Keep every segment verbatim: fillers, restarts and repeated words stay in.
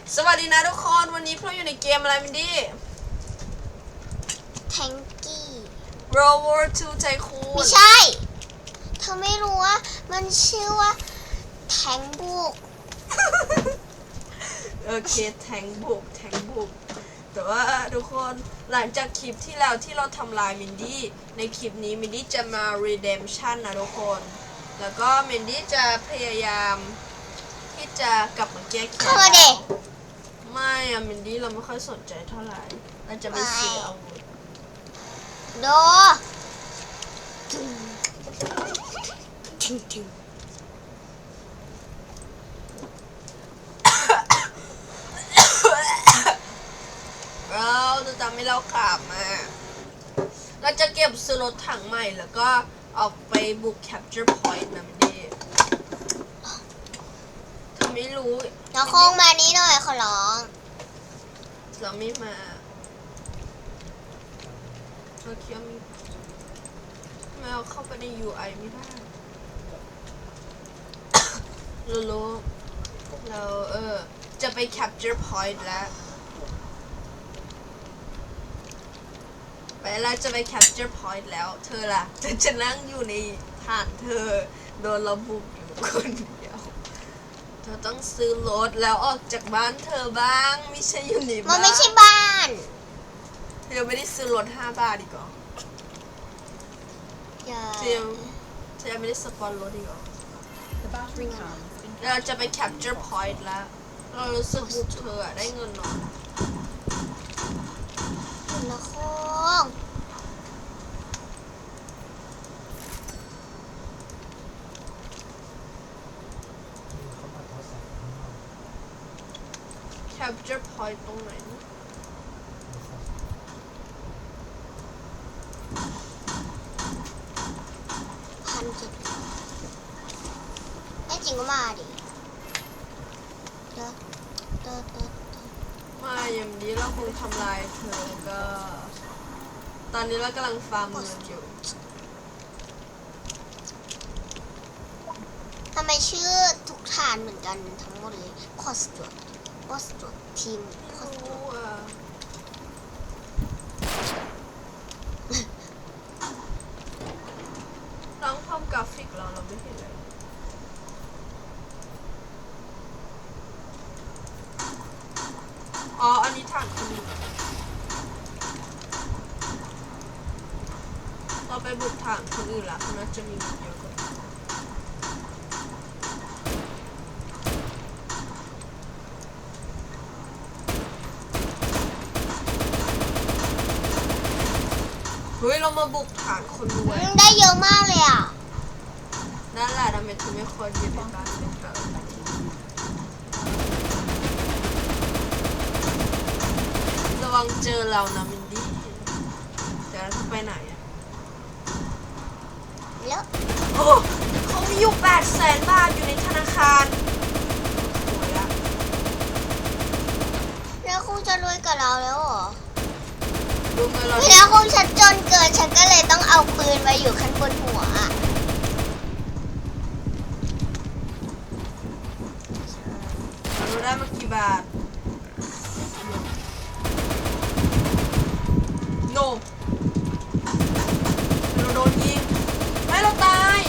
สวัสดีนะทุกคนวันนี้พวกเราอยู่ในเกมอะไรมินดี้แทงกี้ World War ทู Tycoon ไม่ใช่เธอไม่รู้ว่ามันชื่อว่าแทงบุกโอเคแทงบุกแทงบุกแต่ว่าทุกคนหลังจากคลิปที่แล้วที่เราทำลายมินดี้ในคลิปนี้มินดี้จะมา redemption นะทุกคนแล้วก็มินดี้จะพยายามที่จะกลับมาแก้แค้นเข้ามาเด็กไม่อะมินดี้เราไม่ค่อยสนใจเท่าไหร่เราจะไปซื้ออาวุธโดถึงถึงถึงเราจะทำให้เราขับมาเราจะเก็บซื้อรถถังใหม่แล้วก็ออกไปบุก capture point นะมินดี้เธอไม่รู้น้องโค้งมานี้หน่อยขอร้องเราไม่มาเราคิดว่ามีทำไมเราเข้าไปใน ยู ไอ ไม่ได้ เรารู้เราเออจะไป capture point แล้วไปแล้วจะไป capture point แล้วเธอล่ะเธอจะนั่งอยู่ในฐานเธอโดนเราบุกอยู่คนเดียวเธอต้องซื้อรถแล้วออกจากบ้านเธอบ้างไม่ใช่อยู่ในมับ้าน นไม่ใช่บ้านเธอไม่ได้ซื้อรถห้าบาทอีกเหรออย่าเธอยังเธอยังไม่ได้สปอนรถอีกเหรอ The battery comes in เราจะไป capture point แล้วเรารู้สึกบุกเธออะได้เงินน้อยน้องโค้ง capture point ตรงไหนนะพันเจ็ดไอ้จริงก็มาดิเด้อเด้อเด้อมาอย่างนี้เราคงทำลายเธอก็ ตอนนี้เรากำลังฟาร์มเงินอยู่ทำไมชื่อทุกฐานเหมือนกันทั้งหมดเลยคอสจวดคอสจวดทีมคอสจวรู้ดอ่ะลองทำกราฟิกเราเราไม่เห็นเลยอ๋ออันนี้ฐานคนอื่นเราไปบุกฐานคนอื่นละเขาน่าจะมีเงินเยอะกว่าเฮ้ยเรามาบุกฐานคนรวยได้เยอะมากเลยอ่ะนั่นแหละทำไมเธอไม่ควรอยู่ในบ้านเป็นเกิดระวังเจอเรานะมินดี้แต่เราจะไปไหนอะแล้วโอ้เขามีอยู่แปดแสนบาทอยู่ในธนาคารโอ้ยละแล้วคงจะรวยกับเราแล้วเหรอดูเงินเราแล้วคงฉันจนเกินฉันก็เลยต้องเอาปืนไว้อยู่ข้างบนหัวอะเราได้มากี่บาทโนเราโดนยิงไม่เราตาย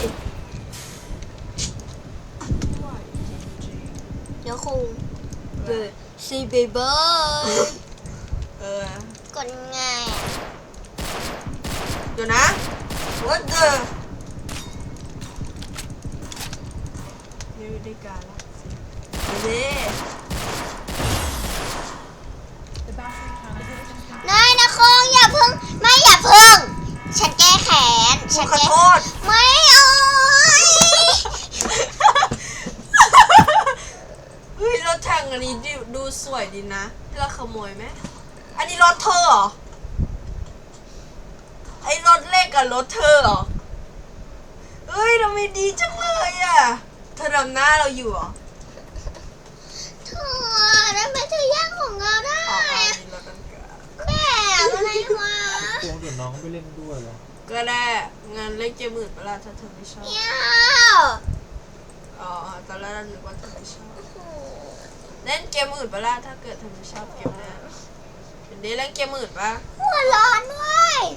ไม่ไหวจริงๆเดี๋ยวคงเปิดซีเบเบอร์เออกดง่ายอะเดี๋ยวนะ what the ไม่ได้การละเด้ the battery comes in นายนะคงอย่าเพิ่งไม่อย่าเพิ่ง ฉันแก้แค้นกูฉันขอแก้โทษไม่เอาเฮ้ยรถถังอันนี้ดูดูสวยดีนะที่เราขโมยไหมอันนี้รถเธอเหรอไอ้รถเล็กกับรถเธอเหรอเฮ้ยทำไมดีจังเลยอ่ะเธอดำหน้าเราอยู่เหรอเธอทำไมเธอแย่งของเราได้อ๋ออันนี้รถกันกาแม่อะไรวะพวงเดี๋ยวน้องไปเล่นด้วยเหรอก็ได้งานเล่นเกมอื่นเวลาถ้าเธอไม่ชอบเหี้ยวอ๋อตอนแรกเรานึกว่าเธอไม่ชอบโอ้โหเล่นเกมอื่นปะล่ะถ้าเกิดเธอไม่ชอบเกมเนี้ยเมนดี้เล่นเกมอื่นปะหัวร้อนเว้ย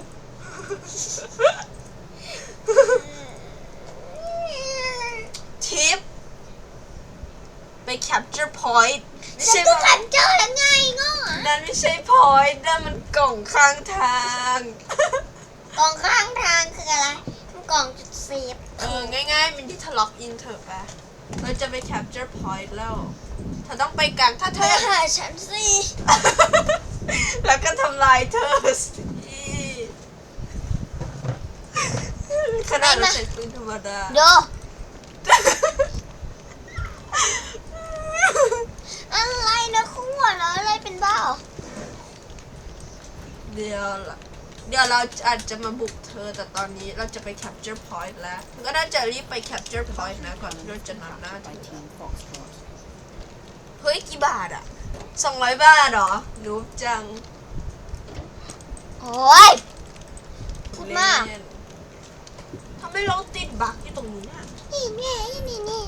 ทิปไป capture point ไม่ฉัใช่นก็ว่าขันเจอแล้วไงง้อนั่นไม่ใช่ point นั่นมันกล่องข้างทางกล่องข้างทางคืออะไรมันกล่องจุดเซฟเออ ง่ายๆมันที่ทะล็อกอินเถอะปะเราจะไป capture point แล้วเธอต้องไปกลางถ้าเธมาอหาฉันสิแล้วก็ทำลายเธอสิขนาดเราใช้ปืนธรรมดาโดอะไรนะคู่หัวเราะอะไรเป็นบ้าเหรอเดี๋ยวละเดี๋ยวเราอาจจะมาบุกเธอแต่ตอนนี้เราจะไป capture point แล้วเธอก็น่าจะรีบไป capture point นะก่อนที่เราจะนำหน้าเธ by อ Team Foxtrot. เฮ้ยกี่บาทอ่ะสองร้อยบาทเหรอนูบจังโอ้ยพูดมากเล่นทำไมเราติดบั๊กอยู่ตรงนี้อ่ะนี่นี่นี่นี่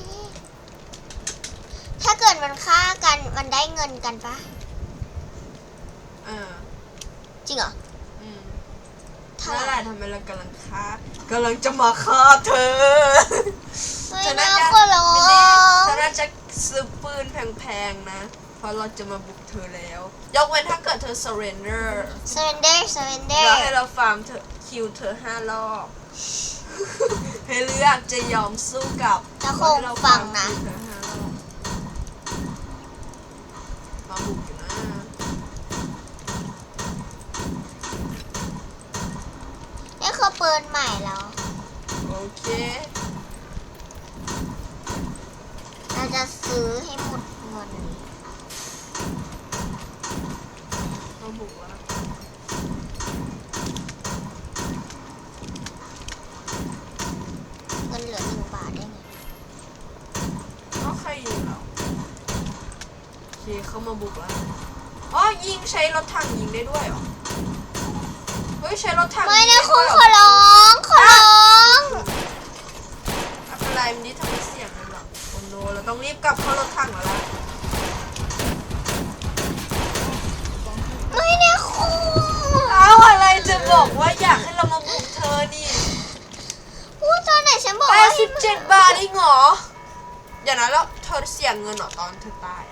ถ้าเกิดมันฆ่ากันมันได้เงินกันปะอ่าจริงเหรออืมเท่านั่นไหแหร่ละทำไมเรากำลังฆ่ากำลังจะมาฆ่าเธอเฮ้ยเธอน่าน่าจะขอร้อไม่ได้งเธอน่าจะซื้อปืนแพงๆนะ เพราะเราจะมาบุกเธอแล้ว ยกเว้นถ้าเกิดเธอ surrender surrender แล้ว surrender ให้เราฟาร์มเธอคิวเธอห้ารอบ ให้เลือกจะยอมสู้กับจะคงให้เราฟังนะคิวเธอห้ารอบมาบุกอยู่นะนี่คือปืนใหม่แล้วโอเคเราจะซื้อให้หมดเงินมาบุกแล้วเงินเหลือหนึ่งบาทได้ไงก็ใครยิงเราโอเคเขามาบุกแล้วอ๋อยิงใช้รถถังยิงได้ด้วยเหรอเฮ้ยใช้รถถังไม่ยิงนะด้คุวณยเหขอร้องขอร้องไม่เป็นไรมันนี่ทำให้เสียงเลยหรอกโอ้โนเราต้องรีบกลับเข้ารถถังแล้วล่ะไม่นะคุณเอาอะไรจะบอกว่าอยากให้เรามาบุกเธอนี่พูดตอนไหนฉันบอกแปว่าดสิบเจ็ดบาทเองเหรอเดี๋ยวนะแล้วเธอเสียเงินเหรอตอนเธอตายอะ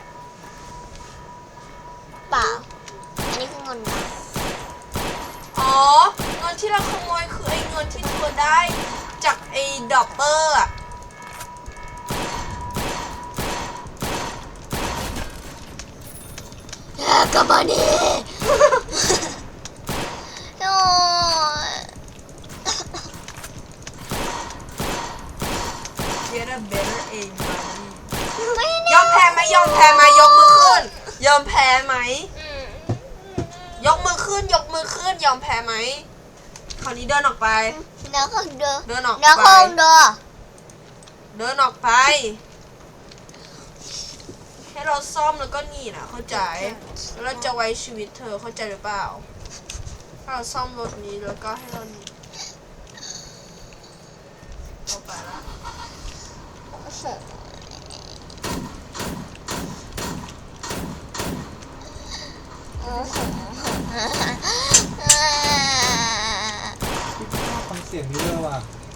เปล่า อันนี้คือเงินนะอ๋อเงินที่เราขโมยคือไอ้เงินที่เธอได้จากไอ้ดอปเปอร์อะกลับมาดิโอ้ย Get a better aim buddy ไม่ยนะอมแพ้ไหมยอมแพ้ไหมยกมือขึ้น ยอมแพ้ไหมอืมยกมือขึ้น ยกมือขึ้น ยอมแพ้ไหมคราวนี้เดินออกไปเดี๋ยวคงเดินเดินออกเดี๋ยวไปคงเดินเดินออกไป ให้เราซ่อมแล้วก็หนีนะเข้าใจแล้วเราจะไว้ชีวิตเธอเข้าใจหรือเปล่าถ้าเราซ่อมรถนี้แล้วก็ให้เราหนีเข้าไปละโอ้โหโอ้โหคิดว่าฟังเสียงนี้เลยว่ะ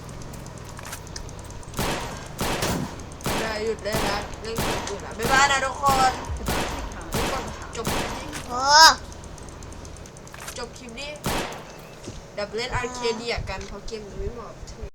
ได้หยุดได้แล้วเรื่องเกิดขึ้นละบ๊ายบายนะทุกคน The battery can จบคลิปนี้โอ้จบคลิปนี้เดี๋ยวไปเล่นอาร์เคเดียกันเพราะเกมนี้ไม่เหมาะกับเธอ